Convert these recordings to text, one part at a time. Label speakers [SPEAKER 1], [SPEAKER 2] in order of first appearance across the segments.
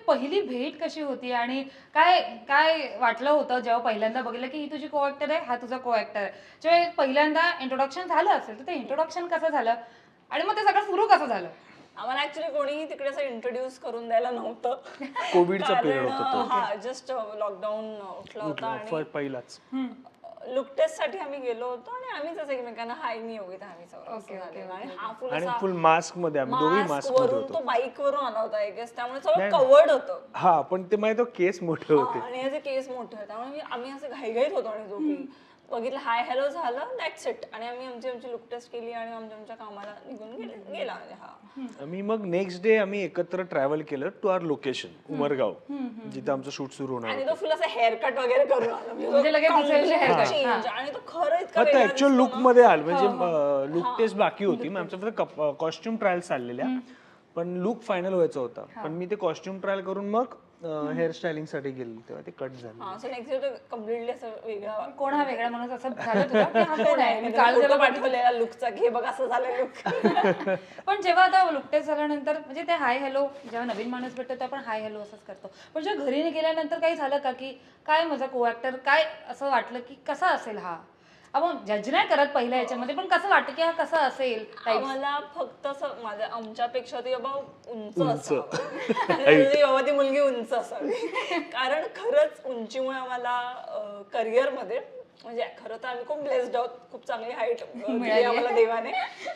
[SPEAKER 1] पहिली भेट कशी होती आणि काय काय वाटलं होतं जेव्हा पहिल्यांदा बघितलं की ही तुझी को ऍक्टर आहे, हा तुझा को ऍक्टर आहे? जेव्हा पहिल्यांदा इंट्रोडक्शन झालं असेल तर ते इंट्रोडक्शन कसं झालं आणि मग ते सगळं सुरू कसं झालं?
[SPEAKER 2] आम्हाला ऍक्च्युली कोणीही तिकडे असं इंट्रोड्यूस करून द्यायला नव्हतं.
[SPEAKER 3] कोविडचा पिरियड होता तो.
[SPEAKER 2] हा जस्ट लॉकडाऊन उठला होता आणि
[SPEAKER 3] पहिलाच
[SPEAKER 2] लुक टेस्ट साठी आम्ही गेलो होतो आणि आम्हीच असं एकमेकांना हाय मी योगिता आम्ही सगळं आणि हा फुल
[SPEAKER 3] आणि
[SPEAKER 2] असा
[SPEAKER 3] फुल मास्क मध्ये आम्ही दोघी मास्क मध्ये
[SPEAKER 2] वरून
[SPEAKER 3] होतो.
[SPEAKER 2] तो बाईक वरून आला होता आय गेस, त्यामुळे सगळं कवर्ड होतं.
[SPEAKER 3] हा पण ते माहिती केस मोठे होते
[SPEAKER 2] आणि याचे केस मोठे होते त्यामुळे आम्ही असं घाईघाईत होतो आणि दोघी बघितलं हाय हॅलो झालं दॅट्स इट आणि आम्ही आमची लुक टेस्ट केली आणि आमच्या कामाला निघून गेला म्हणजे हा.
[SPEAKER 3] आम्ही मग नेक्स्ट डे आम्ही एकत्र ट्रॅव्हल केलं टू आवर लोकेशन उमरगाव, जिथे आमचं शूट सुरू होणार
[SPEAKER 2] आणि तो फुल असं हेअर कट वगैरे करून आला
[SPEAKER 1] म्हणजे लगेच दुसऱ्या दिवशी haircut.
[SPEAKER 2] चेंज आणि तो खरं इतका
[SPEAKER 3] होता.
[SPEAKER 2] वेगळा
[SPEAKER 3] ऍक्च्युअल
[SPEAKER 2] दिसतो
[SPEAKER 3] लुक
[SPEAKER 2] ना.
[SPEAKER 3] मध्ये आलं म्हणजे लुक टेस्ट बाकी होती मग आमच्या फक्त कॉस्ट्युम ट्रायल चाललेल्या, पण लुक फायनल व्हायचा होता. पण मी ते कॉस्ट्युम ट्रायल करून मग हेअर स्टायलिंग साठी गेलो तेव्हा ते कट झालं.
[SPEAKER 2] हा असं नेक्स्ट डे कम्प्लिटली असं वेगळा
[SPEAKER 1] कोण हा वेगळा माणूस असं झालं तुला की हा कोण आहे? मी काल
[SPEAKER 2] फोटो
[SPEAKER 1] त्याला
[SPEAKER 2] पाठवलेला लुकचा घे बघ असं झालं लुक.
[SPEAKER 1] पण जेव्हा आता लुकटेस झाल्यानंतर म्हणजे ते हाय हॅलो जेव्हा नवीन माणूस भेटतो ते आपण हाय हॅलो असंच करतो, पण जेव्हा घरी गेल्यानंतर काही झालं का की काय माझा को ऍक्टर काय असं वाटलं की कसा असेल हा? आपण जज नाही करत पहिल्या याच्यामध्ये, पण कसं वाटतं की हा कसा असेल?
[SPEAKER 2] मला फक्त असं माझ्या आमच्यापेक्षा ती बाबा उंच असावं आणि बाबा ती मुलगी उंच असावी. कारण खरंच उंचीमुळे आम्हाला करिअर मध्ये म्हणजे खरं तर आम्ही खूप ब्लेस्ड आहोत, खूप चांगली हाईट दिली आम्हाला देवाने.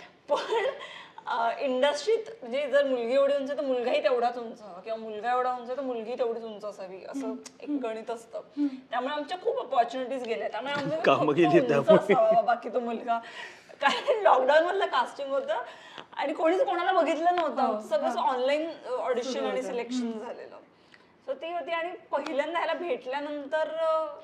[SPEAKER 2] पण इंडस्ट्रीत म्हणजे जर मुलगी एवढी उंच तर मुलगाही तेवढाच उंच हवा किंवा मुलगा एवढा उंच तर मुलगी तेवढीच उंच असावी असं एक गणित असतं. त्यामुळे आमच्या खूप अपॉर्च्युनिटीज गेल्या, त्यामुळे आमचं उंच असावा बाबा की तो मुलगा. कारण लॉकडाऊन मधलं कास्टिंग होतं आणि कोणीच कोणाला बघितलं नव्हतं, सगळं ऑनलाईन ऑडिशन आणि सिलेक्शन झालेलं. सो ती होती आणि पहिल्यांदा ह्याला भेटल्यानंतर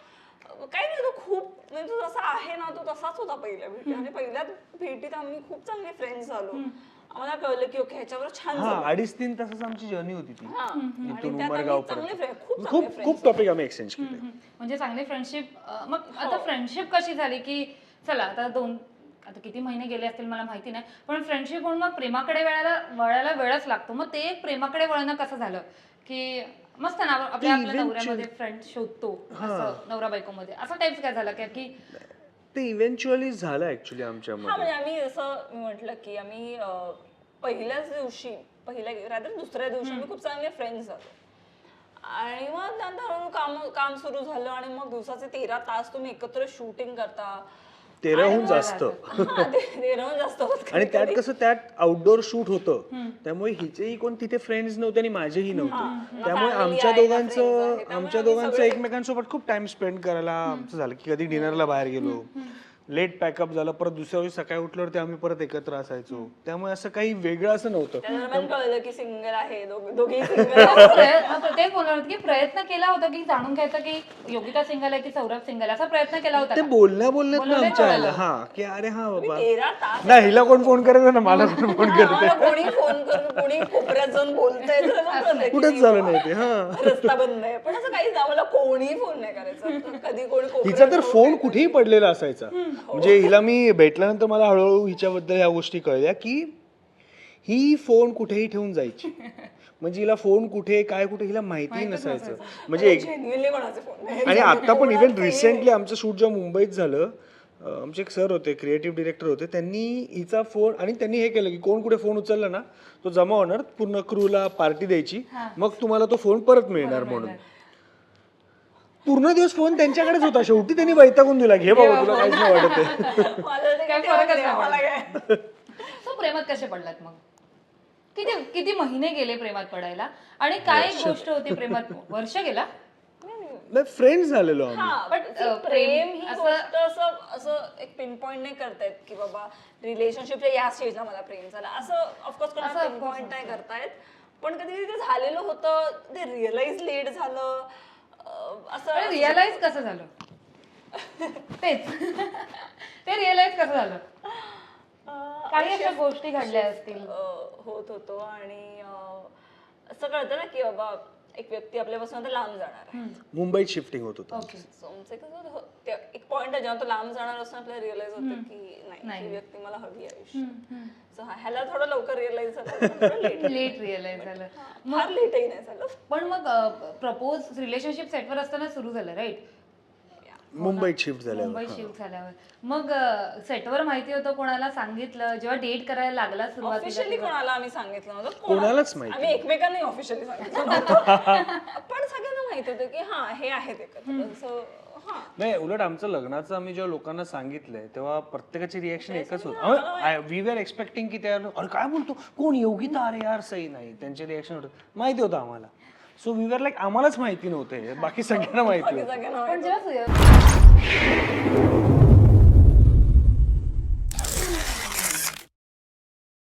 [SPEAKER 2] काही नाही तो खूप म्हणजे तो जसा आहे ना तो तसाच होता पहिल्या भेटीत आणि पहिल्या भेटीत आम्ही खूप चांगले फ्रेंड्स झालो. आम्हाला कळलं की ओके ह्याच्यावर छान
[SPEAKER 3] 2.5-3 तासाची आमची जर्नी होती ती इथून उमरगाव पर्यंत.
[SPEAKER 2] खूप
[SPEAKER 3] खूप टॉपिक आम्ही एक्सचेंज केले.
[SPEAKER 1] म्हणजे चांगली फ्रेंडशिप. मग आता फ्रेंडशिप कशी झाली की चला आता आता किती महिने गेले असतील मला माहिती नाही, पण फ्रेंडशिप म्हणून मग प्रेमाकडे वळायला वेळच लागतो. मग ते एक प्रेमाकडे वळणं कसं झालं की मस्त ना आपल्या नवऱ्यामध्ये फ्रेंड शोधतो असं नवरा बायको मध्ये असं टाइप्स काय झालं की
[SPEAKER 3] ते इव्हेंच्युअली झालं ऍक्च्युअली आमच्यामध्ये.
[SPEAKER 2] म्हणजे आम्ही जसं मी म्हटलं की आम्ही पहिल्याच दिवशी दुसऱ्या दिवशी आम्ही खूप चांगले फ्रेंड्स झालो आणि मग नंतर हळूहळू काम सुरू झालं आणि मग दिवसाचे 13 तास तुम्ही एकत्र शूटिंग करता.
[SPEAKER 3] 13हून जास्त.
[SPEAKER 2] 13हून जास्त होत
[SPEAKER 3] आणि त्यात कसं त्यात आउटडोर शूट होतं त्यामुळे हिचेही कोण तिथे फ्रेंड्स नव्हते आणि माझेही नव्हते, त्यामुळे आमच्या दोघांचं एकमेकांसोबत खूप टाइम स्पेंड करायला आमचं झालं की कधी डिनरला बाहेर गेलो, लेट पॅकअप झालं, परत दुसऱ्या दिवशी सकाळी उठल्यावर ते आम्ही परत एकत्र असायचो. त्यामुळे असं काही वेगळं असं नव्हतं.
[SPEAKER 2] कळलं की सिंगल आहे दोघेही सिंगल.
[SPEAKER 1] तेच बोलणार की प्रयत्न केला होता की जाणून घ्यायचा की योगिता सिंगल आहे की सौरभ सिंगल, असा प्रयत्न केला होता
[SPEAKER 3] ते बोलण्यात ना आमच्या आलं हा की अरे हा बाबा
[SPEAKER 2] 13 तास
[SPEAKER 3] नाही हिला कोण फोन करायचं ना मला कोण फोन करते,
[SPEAKER 2] कोणी फोन करून कोणी कोपऱ्यात जाऊन बोलतंय
[SPEAKER 3] कुठेच झालं नाही ते. हा
[SPEAKER 2] रस्ता बंद आहे पण असं काहीच आम्हाला कोणीही फोन नाही करायचा. कधी कोणी
[SPEAKER 3] हिचा तर फोन कुठेही पडलेला असायचा. म्हणजे हिला मी भेटल्यानंतर मला हळूहळू हिच्याबद्दल ह्या गोष्टी कळल्या की ही फोन कुठेही ठेवून जायची. म्हणजे हिला फोन कुठे काय कुठे हिला माहिती नसायचं. म्हणजे आणि आता पण इव्हन रिसेंटली आमचं शूट जेव्हा मुंबईत झालं, आमचे एक सर होते क्रिएटिव्ह डिरेक्टर होते, त्यांनी हिचा फोन आणि त्यांनी हे केलं की कोण कुठे फोन उचलला ना तो जमा होणार, पूर्ण क्रूला पार्टी द्यायची, मग तुम्हाला तो फोन परत मिळणार म्हणून. पूर्ण दिवस फोन त्यांच्याकडेच होता. शेवटी त्यांनी वैतागून दिला घे बाबा तुला काहीच नाही वाटत.
[SPEAKER 1] प्रेमात कसे पडलात मग? किती महिने गेले प्रेमात पडायला आणि काय गोष्ट होती प्रेमात? वर्ष गेला
[SPEAKER 3] फ्रेंड्स झालेलो
[SPEAKER 2] पण प्रेम ही गोष्ट असं एक पिन पॉइंट नाही करतायत की बाबा रिलेशनशिपच्या या स्टेजला मला प्रेम झालं असं ऑफकोर्स कोणाला पिन पॉइंट नाही करतायत. पण कधी कधी झालेलं होतं ते रिअलाइज लेट झालं.
[SPEAKER 1] असं रिअलाइज कसं झालं? तेच ते रिअलाइज कसं झालं? काही अशा गोष्टी घडल्या असतील
[SPEAKER 2] होत होतो आणि असं कळतं ना की बाबा एक व्यक्ती आपल्यापासून आता लांब जाणार आहे.
[SPEAKER 3] मुंबईत शिफ्टिंग होत होतं.
[SPEAKER 1] ओके.
[SPEAKER 2] So, आमचं कसं होतं, एक पॉइंट आहे जेव्हा तो लांब जाणार असतो आपल्याला रिअलाइज होतं की नाही ही व्यक्ती मला हवी आहे आयुष्यात. So, ह्याला थोडं लवकर रिअलाइज झालं,
[SPEAKER 1] लेट रिअलाइज झालं.
[SPEAKER 2] फार लेटही नाही झालं.
[SPEAKER 1] पण मग प्रपोज रिलेशनशिप सेटवर असताना सुरू झालं राईट?
[SPEAKER 3] मुंबईत शिफ्ट झाल्यावर
[SPEAKER 1] मुंबईत शिफ्ट झाल्यावर मग सेटवर माहिती होतं, कोणाला सांगितलं जेव्हा डेट करायला लागला सुरुवातीला?
[SPEAKER 2] ऑफिशियली कोणाला आम्ही सांगितलं नव्हतं,
[SPEAKER 3] कोणालाच माहिती
[SPEAKER 2] आम्ही एकमेकांना ऑफिशियली सांगितलं नव्हतं. पण सगळ्यांना माहित होतं की हा हे आहेत एकत्र. So, हा
[SPEAKER 3] नाही, उलट आमचं लग्नाचं आम्ही जेव्हा लोकांना सांगितलंय तेव्हा प्रत्येकाची रिएक्शन एकच होती. वी आर एक्सपेक्टिंग की त्या अरे काय बोलतो कोण योगिता, अरे यार सही नाही, त्यांचे रिएक्शन होतं माहिती होतं आम्हाला. सो वी आर लाईक आम्हालाच माहिती नव्हते, बाकी सगळ्यांना माहिती होतं.
[SPEAKER 2] सगळ्यांना
[SPEAKER 1] पण जेव्हा